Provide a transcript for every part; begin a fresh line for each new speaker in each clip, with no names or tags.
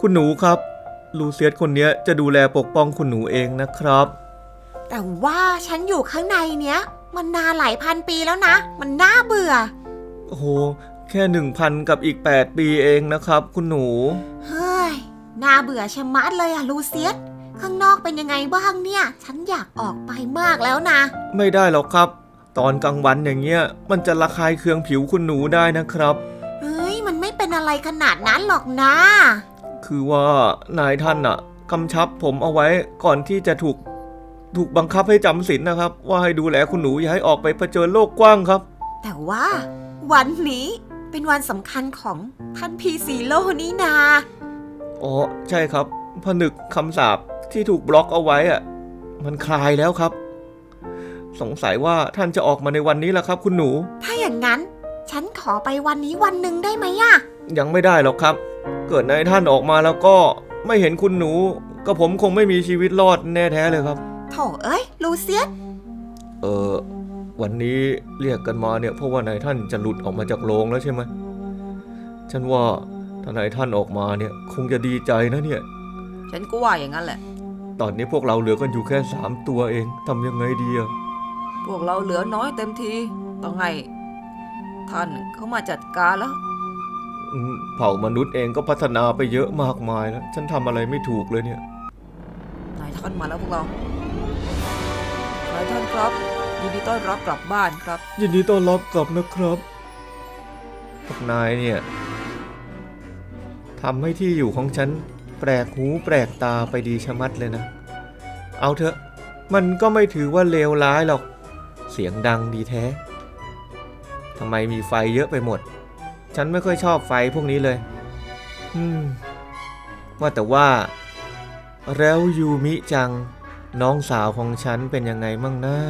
คุณหนูครับลูเซียสคนนี้จะดูแลปกป้องคุณหนูเองนะครับ
แต่ว่าฉันอยู่ข้างในเนี้ยมันนานหลายพันปีแล้วนะมันน่าเบื่อ
โอ้โหแค่ 1,000 กับอีก8 ปีเองนะครับคุณหนู
เฮ้ยน่าเบื่อชะมัดเลยอะลูเซียสข้างนอกเป็นยังไงบ้างเนี่ยฉันอยากออกไปมากแล้วนะ
ไม่ได้หรอกครับตอนกลางวันอย่างเงี้ยมันจะระคายเคืองผิวคุณหนูได้นะครับ
เฮ้ยมันไม่เป็นอะไรขนาดนั้นหรอกนะ
คือว่านายท่านอะกำชับผมเอาไว้ก่อนที่จะถูกบังคับให้จำศีลนะครับว่าให้ดูแลคุณหนูอย่าให้ออกไปเผชิญโลกกว้างครับ
แต่ว่าวันนี้เป็นวันสำคัญของท่านพีซีโร่นี่นา
อ๋อใช่ครับผนึกคำสาปที่ถูกบล็อกเอาไว้อะมันคลายแล้วครับสงสัยว่าท่านจะออกมาในวันนี้แหละครับคุณหนู
ถ้าอย่างนั้นฉันขอไปวันนี้วันหนึ่งได้ไหมอะ
ยังไม่ได้หรอกครับเกิดนายท่านออกมาแล้วก็ไม่เห็นคุณหนูก็ผมคงไม่มีชีวิตรอดแน่แท้เลยครับ
โถเอ้ยลูเซียส
วันนี้เรียกกันมาเนี่ยเพราะว่านายท่านจะหลุดออกมาจากโรงแล้วใช่ไหมฉันว่าถ้านายท่านออกมาเนี่ยคงจะดีใจนะเนี่ย
ฉันก็ว่าอย่างนั้นแหละ
ตอนนี้พวกเราเหลือกันอยู่แค่3 ตัวเองทำยังไงดีอะ
พวกเราเหลือน้อยเต็มทีต้องให้ท่านเขามาจัดการแล้ว
เผ่ามนุษย์เองก็พัฒนาไปเยอะมากมายแล้วฉันทำอะไรไม่ถูกเลยเนี่ย
นายท่านมาแล้วพวกเรานายท่านครับยินดีต้อนรับกลับบ้านครับ
ยินดีต้อนรับกลับนะครับพวกนายเนี่ยทำให้ที่อยู่ของฉันแปลกหูแปลกตาไปดีชะมัดเลยนะเอาเถอะมันก็ไม่ถือว่าเลวร้ายหรอกเสียงดังดีแท้ทำไมมีไฟเยอะไปหมดฉันไม่ค่อยชอบไฟพวกนี้เลยว่าแต่ว่าแล้วยูมิจังน้องสาวของฉันเป็นยังไงมั่งนะ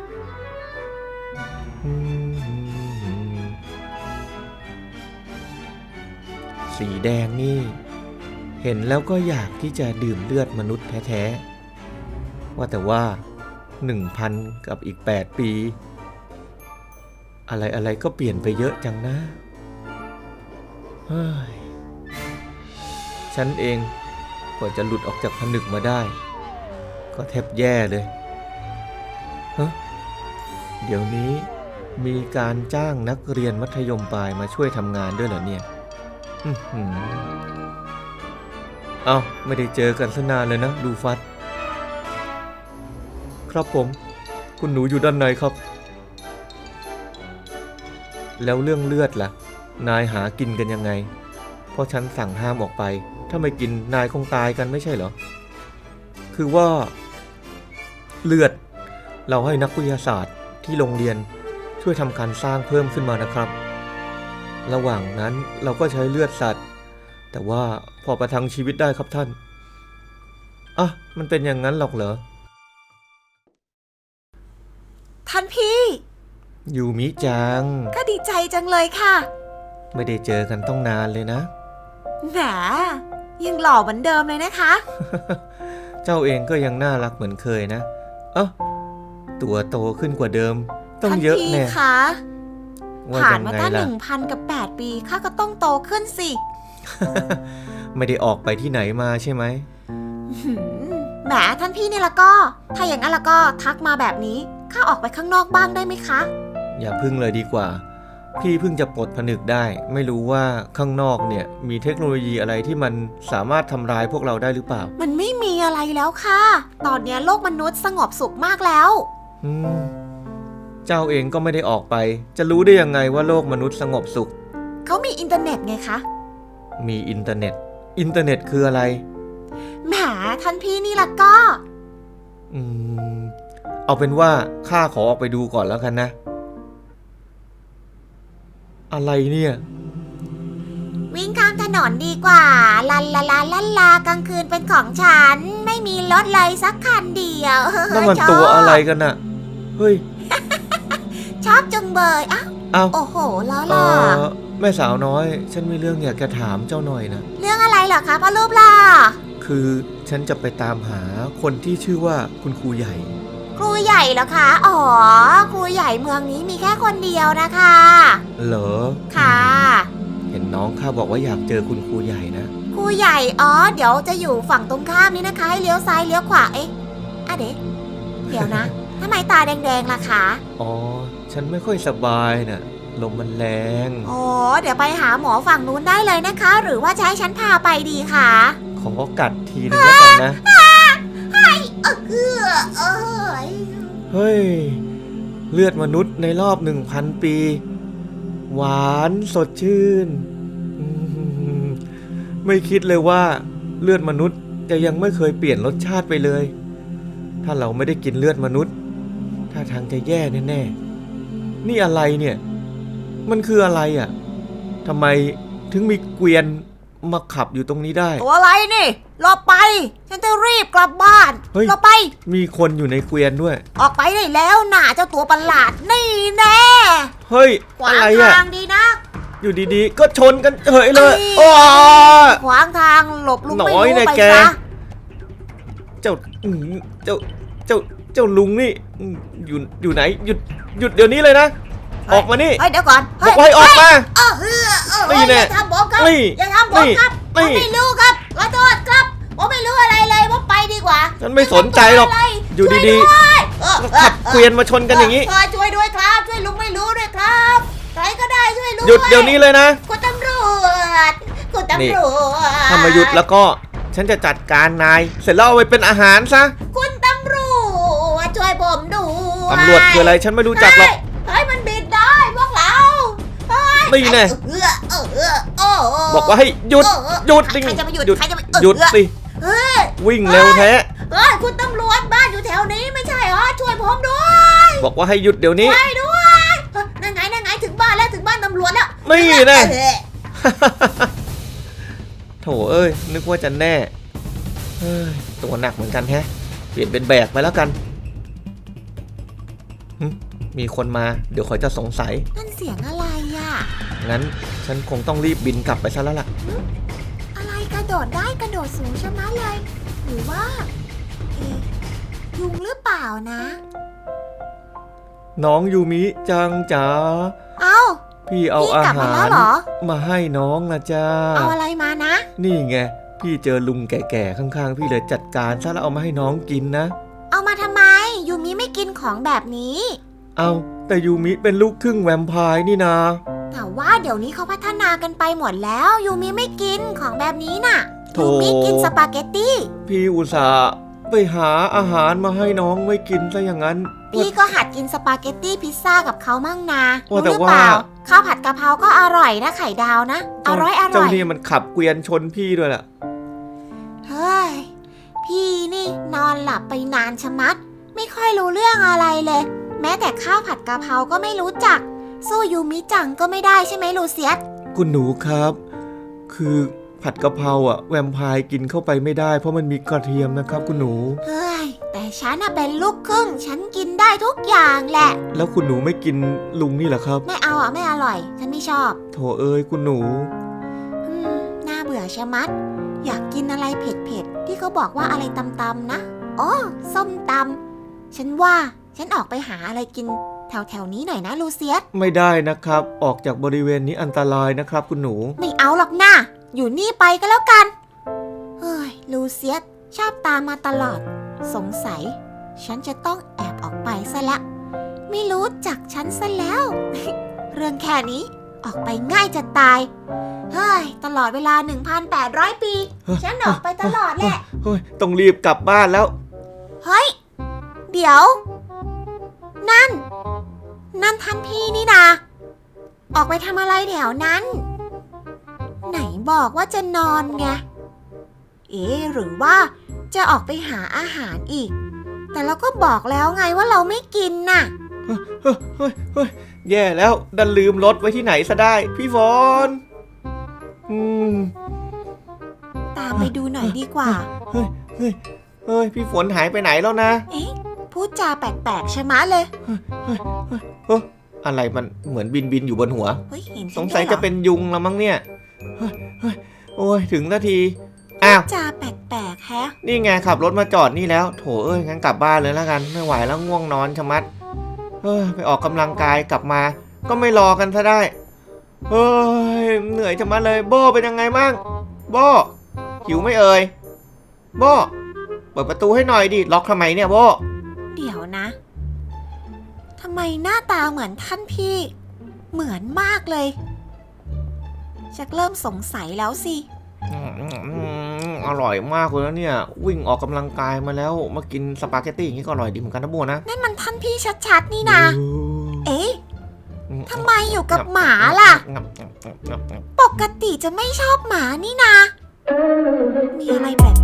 สีแดงนี่เห็นแล้วก็อยากที่จะดื่มเลือดมนุษย์แท้ๆว่าแต่ว่า 1,000 กับอีก8 ปีอะไรก็เปลี่ยนไปเยอะจังนะเฮ้ยฉันเองกว่าจะหลุดออกจากผนึกมาได้ก็แทบแย่เลยเดี๋ยวนี้มีการจ้างนักเรียนมัธยมปลายมาช่วยทำงานด้วยเหรอเนี่ยเอ้าไม่ได้เจอกันซะนานเลยนะดูฟัดครับผมคุณหนูอยู่ด้านในครับแล้วเรื่องเลือดล่ะนายหากินกันยังไงเพราะฉันสั่งห้ามออกไปถ้าไม่กินนายคงตายกันไม่ใช่เหรอคือว่าเลือดเราให้นักวิทยาศาสตร์ที่โรงเรียนช่วยทำการสร้างเพิ่มขึ้นมานะครับระหว่างนั้นเราก็ใช้เลือดสัตว์แต่ว่าพอประทังชีวิตได้ครับท่านมันเป็นอย่างนั้นหรอกเหรอ
ท่านพี่
ยูมิจัง
ก็ดีใจจังเลยค่ะ
ไม่ได้เจอกันต้องนานเลยนะ
แหมยังหล่อเหมือนเดิมเลยนะคะ
เจ้าเองก็ยังน่ารักเหมือนเคยนะตัวโตขึ้นกว่าเดิมต้องเยอะแน่
ค่ะผ่านมาตั้ง 1,000 กับ 8 ปีข้าก็ต้องโตขึ้นสิ
ไม่ได้ออกไปที่ไหนมาใช่ไหม
แหมท่านพี่นี่ละก็ถ้าอย่างนั้นละก็ทักมาแบบนี้ข้าออกไปข้างนอกบ้างได้ไหมคะ
อย่าพึ่งเลยดีกว่าพี่เพิ่งจะปลดผนึกได้ไม่รู้ว่าข้างนอกเนี่ยมีเทคโนโลยีอะไรที่มันสามารถทำร้ายพวกเราได้หรือเปล่า
มันไม่มีอะไรแล้วค่ะตอนนี้โลกมนุษย์สงบสุขมากแล้ว
เจ้าเองก็ไม่ได้ออกไปจะรู้ได้ยังไงว่าโลกมนุษย์สงบสุข
เขามีอินเทอร์เน็ตไงคะ
มีอินเทอร์เน็ตคืออะไร
แหมท่านพี่นี่ละก็
เอาเป็นว่าข้าขอออกไปดูก่อนแล้วกันนะอะไรเนี่ย
วิ่งข้ามถนนดีกว่าลันลาลาลันลากลางคืนเป็นของฉันไม่มีรถเลยสักคันเดียว
นั่นมันตัวอะไรกันน่ะเฮ้ย
ชอบจังเบยโอ้โหล้อล่ะ
แม่สาวน้อยฉันมีเรื่องอยากจะถามเจ้าหน่อยนะ
เรื่องอะไรเหรอคะพ่อรูปล่ะ
คือฉันจะไปตามหาคนที่ชื่อว่าคุณครูใหญ่
ครูใหญ่เหรอคะอ๋อครูใหญ่เมืองนี้มีแค่คนเดียวนะคะ
เหรอ
ค่ะ
เห็นน้ององข้าบอกว่าอยากเจอคุณครูใหญ่นะ
ครูใหญ่อ๋อเดี๋ยวจะอยู่ฝั่งตรงข้ามนี่นะคะให้เลี้ยวซ้ายเลี้ยวขวาเอ๊ะเดี๋ยวนะ ทำไมตาแดงๆล่ะคะ
อ๋อฉันไม่ค่อยสบายน่ะลมมันแรง
อ๋อเดี๋ยวไปหาหมอฝั่งนู้นได้เลยนะคะ หรือว่าจะให้ฉันพาไปดีคะ
ขอกัดทีนึงแล้วกันนะ เฮ้ยเลือดมนุษย์ในรอบ 1,000 ปี หวานสดชื่นไม่คิดเลยว่าเลือดมนุษย์จะยังไม่เคยเปลี่ยนรสชาติไปเลย ถ้าเราไม่ได้กินเลือดมนุษย์ท่าทางจะแย่แน่ๆนี่อะไรเนี่ยมันคืออะไรอ่ะทำไมถึงมีเกวียนมาขับอยู่ตรงนี้ได้
ตัวอะไรนี่รอไปฉันจะรีบกลับบ้าน
เฮ้ย
รอไป
มีคนอยู่ในเกวียนด้วย
ออกไปได้แล้วน่ะเจ้าตัวประหลาดนี่แน่
เฮ้ย
ขวา
อะ
ง
ไรอ่ะ
ทางดีนะ
อยู่ดีๆก็ชนกันเฉยเลย
เอ้ย
โอ้
ขวางทางหลบลุง
หน่
ไม่
อย
รู้
นะ
ไป
แก
ซะ
เจ้าลุงนี่อยู่ไหนหยุดเดี๋ยวนี้เลยนะ ออกมานี่
เฮ้ยเดี๋ยวก่อน
บอกว่าให้ออกมา นี่แน่
อย่าทำผมครับ
นี่
อย่าทำผมครับผ
นี่
มไม่รู้ครับขอโทษครับผมไม่รู้อะไรเลยว่าไปดีกว่า
ฉันไม่สนใจหรอก อยู่ดีๆ
ๆ
ขับเกวียนมาชนกันอย่างนี้
ช่วยด้วยครับช่วยลุงไม่รู้ด้วยครับใครก็ได้ช่วยลุง
หยุดเดี๋ยวนี้เลยนะ
คุณตำรวจคุณตำรวจ
ถ้ามาหยุดแล้วก็ฉันจะจัดการนายเสร็จแล้วเอาไปเป็นอาหารซะ
คุณตำรวจช่วยผมดู
ตำรวจคืออะไรฉันไม่รู้จักหรอก
เฮ้ยมันบิดได้พวกเราเฮ้ย
นี่แน่
โอ้
บอกว่าให้หยุดสิ
ใครจะมาหยุดใครจะมา
หยุดสิ
เฮ้ย
วิ่งเร็วแท้
เฮ้ยคุณตำรวจบ้านอยู่แถวนี้ไม่ใช่เหรอช่วยผมด้วย
บอกว่าให้หยุดเดี๋ยวนี้
ช่วยด้วยนั่นไงถึงบ้านแล้วถึงบ้านตำรวจแล้ว
นี่แน่
เอ้ย
โถเอ้ยนึกว่าจะแน่เฮ้ยตัวหนักเหมือนกันแฮะเปลี่ยนเป็นแบกไปแล้วกันหึมีคนมาเดี๋ยวเขาจะสงสัย
นั่นเสียงอะไรอ่ะ
งั้นฉันคงต้องรีบบินกลับไปซะแล้วล่ะ
อะไรกระโดดได้กระโดดสูงชะมัดเลย หรือว่าเอ๊ะยุงหรือเปล่านะ
น้องยูมิจังจ๋า
เอ้า
พี่เอา
พี่
อาก
ลับมา
หา
แล้ว
ร
เหรอ
มาให้น้องนะจ้า
เอาอะไรมานะ
นี่ไงพี่เจอลุงแก่ๆข้างๆพี่เลยจัดการซะแล้วเอามาให้น้องกินนะ
เอามาทำไม ยูมิไม่กินของแบบนี้
เอาแต่ยูมิเป็นลูกครึ่งแวมไพร์นี่นา
แต่ว่าเดี๋ยวนี้เขาพัฒนากันไปหมดแล้ว ยูมิไม่กินของแบบนี้น่ะ
โถ
ยูมิกินสปาเกตตี้
พี่อุตส่าห์ไปหาอาหารมาให้น้องไม่กินซะอย่างนั้น
พี่ก็หัดกินสปาเกตตี้พิซซ่ากับเขามั่งนะ
ว่าแต่
รู้หรือเปล่า
ว่า
ข้าวผัดกะเพราก็อร่อยนะไข่ดาวนะ อร่อย
เจ้านี่มันขับเกวียนชนพี่ด้วยล่ะ
เฮ้ย พี่นี่นอนหลับไปนานชะมัด ไม่ค่อยรู้เรื่องอะไรเลย แม้แต่ข้าวผัดกะเพราก็ไม่รู้จัก สู้ยูมิจังก็ไม่ได้ใช่ไหมลูเซียส
คุณหนูครับ คือผัดกะเพราอะแวมไพร์กินเข้าไปไม่ได้เพราะมันมีกระเทียมนะครับคุณหนู
เฮ้ย แต่ฉันน่ะเป็นลูกครึ่ง ฉันกินได้ทุกอย่างแหละ
แล้วคุณหนูไม่กินลุงนี่เหรอครับ
ไม่เอาอ่ะไม่อร่อย ฉันไม่ชอบ
โถเอ้ยคุณหนู
น่าเบื่อชะมัด อยากกินอะไรเผ็ดๆ ที่เขาบอกว่าอะไรตำๆนะอ๋อส้มตำฉันว่าฉันออกไปหาอะไรกินแถวๆนี้หน่อยนะลูเซียส
ไม่ได้นะครับ ออกจากบริเวณนี้อันตรายนะครับคุณหนู
ไม่เอาหรอกนะอยู่นี่ไปก็แล้วกัน เฮ้ย ลูเซียสชอบตามมาตลอด สงสัย ฉันจะต้องแอบออกไปซะละ ไม่รู้จักฉันซะแล้ว เรื่องแค่นี้ออกไปง่ายจะตาย เฮ้ย ตลอดเวลา 1,800 ปี ฉันออกไปตลอดแหละ
เฮ้ยต้องรีบกลับบ้านแล้ว
เฮ้ย เดี๋ยว นั่นท่านพี่นี่นาออกไปทำอะไรแถวนั้น ไหนบอกว่าจะนอนไง เอ๊ะหรือว่าจะออกไปหาอาหารอีก แต่เราก็บอกแล้วไงว่าเราไม่กินน่ะ
เฮ้ยแย่แล้วดันลืมรถไว้ที่ไหนซะได้ พี่ฝน
ตามไปดูหน่อยดีกว่า
เฮ้ยพี่ฝนหายไปไหนแล้วนะ
เอ๊ะ พูดจาแปลกๆใช่ไหมะเลย
อะไรมันเหมือนบินอยู่บนหัว
เฮ้ย เห็น
สงสัยจะเป็นยุงแล้วมั้งเนี่ย โอ้ยถึงนาที อ้าว
จาแปลกๆแฮะ
นี่ไงขับรถมาจอดนี่แล้ว โถเอ้ยงั้นกลับบ้านเลยแล้วกัน ไม่ไหวแล้วง่วงนอนชะมัดไปออกกำลังกายกลับมา ก็ไม่รอกันซะได้ เฮ้ยเหนื่อยนื่อยจะมาเลยโบเป็นยังไงบ้างโบหิวไหม่เอ่ยโบเปิดประตูให้หน่อยดิล็อกทำไมเนี่ยโบ
เดี๋ยวนะทำไมหน้าตาเหมือนท่านพี่ เหมือนมากเลยชักเริ่มสงสัยแล้วสิ
อร่อยมากเลยนะเนี่ยวิ่งออกกำลังกายมาแล้วมากินสปาเกตตี้อย่างนี้ก็อร่อยดีเหมือนกันนะโบนะ
นั่นมันท่านพี่ชัดๆนี่นะเอ๊ะทำไมอยู่กับหมาล่ะ ปกติจะไม่ชอบหมานี่นะมีอะไรแ